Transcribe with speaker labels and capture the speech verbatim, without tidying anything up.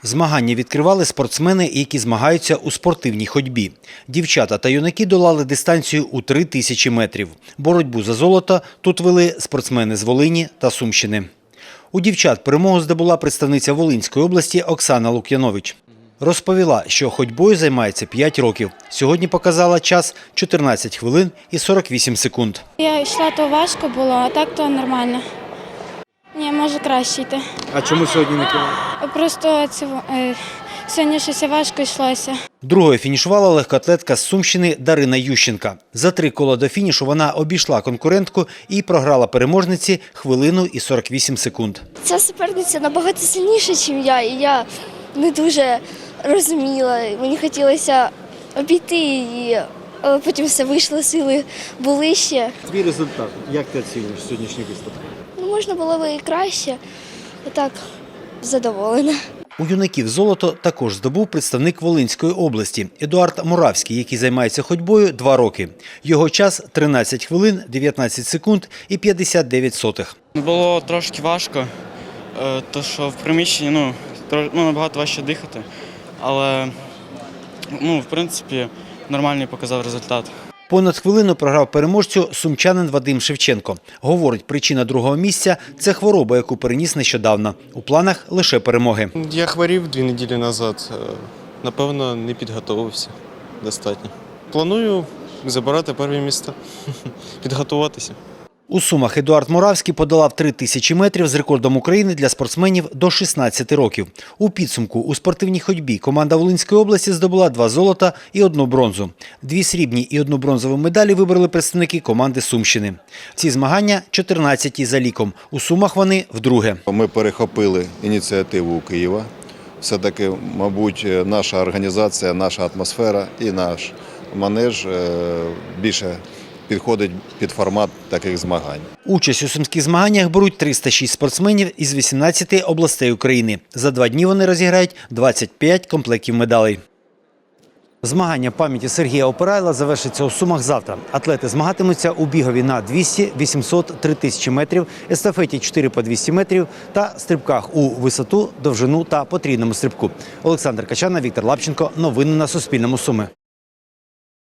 Speaker 1: Змагання відкривали спортсмени, які змагаються у спортивній ходьбі. Дівчата та юнаки долали дистанцію у три тисячі метрів. Боротьбу за золото тут вели спортсмени з Волині та Сумщини. У дівчат перемогу здобула представниця Волинської області Оксана Лук'янович. Розповіла, що ходьбою займається п'ять років. Сьогодні показала час чотирнадцять хвилин і сорок вісім секунд.
Speaker 2: Я йшла, то важко було, а так то нормально. Ні, може краще йти.
Speaker 1: А чому сьогодні не кинули?
Speaker 2: Просто це, е, сьогодні щось важко йшлося.
Speaker 1: Другою фінішувала легкоатлетка з Сумщини Дарина Ющенка. За три кола до фінішу вона обійшла конкурентку і програла переможниці хвилину і сорок вісім секунд.
Speaker 3: Ця суперниця набагато сильніша, ніж я, і я не дуже розуміла. Мені хотілося обійти її, але потім все вийшло, сили були ще.
Speaker 1: Твій результат, як ти оцінюєш сьогоднішній виступ?
Speaker 3: Ну, можна було б і краще, а так задоволена.
Speaker 1: У юнаків золото також здобув представник Волинської області Едуард Муравський, який займається ходьбою два роки. Його час – тринадцять хвилин, дев'ятнадцять секунд і п'ятдесят дев'ять сотих.
Speaker 4: Було трошки важко, тому що в приміщенні ну, ну, набагато важче дихати, але ну, в принципі нормальний показав результат.
Speaker 1: Понад хвилину програв переможцю сумчанин Вадим Шевченко. Говорить, причина другого місця – це хвороба, яку переніс нещодавно. У планах лише перемоги.
Speaker 5: Я хворів дві неділі назад. Напевно, не підготувався достатньо. Планую забирати перші місця, підготуватися.
Speaker 1: У Сумах Едуард Муравський подолав три тисячі метрів з рекордом України для спортсменів до шістнадцяти років. У підсумку у спортивній ходьбі команда Волинської області здобула два золота і одну бронзу. Дві срібні і одну бронзову медалі вибрали представники команди Сумщини. Ці змагання – чотирнадцяті за ліком. У Сумах вони вдруге.
Speaker 6: Ми перехопили ініціативу у Києва. Все-таки, мабуть, наша організація, наша атмосфера і наш манеж більше підходить під формат таких змагань.
Speaker 1: Участь у сумських змаганнях беруть триста шість спортсменів із вісімнадцяти областей України. За два дні вони розіграють двадцять п'ять комплектів медалей. Змагання пам'яті Сергія Опирайла завершиться у Сумах завтра. Атлети змагатимуться у бігові на двісті, вісімсот, три тисячі метрів, естафеті чотири по двісті метрів та стрибках у висоту, довжину та потрійному стрибку. Олександр Качана, Віктор Лапченко. Новини на Суспільному. Суми.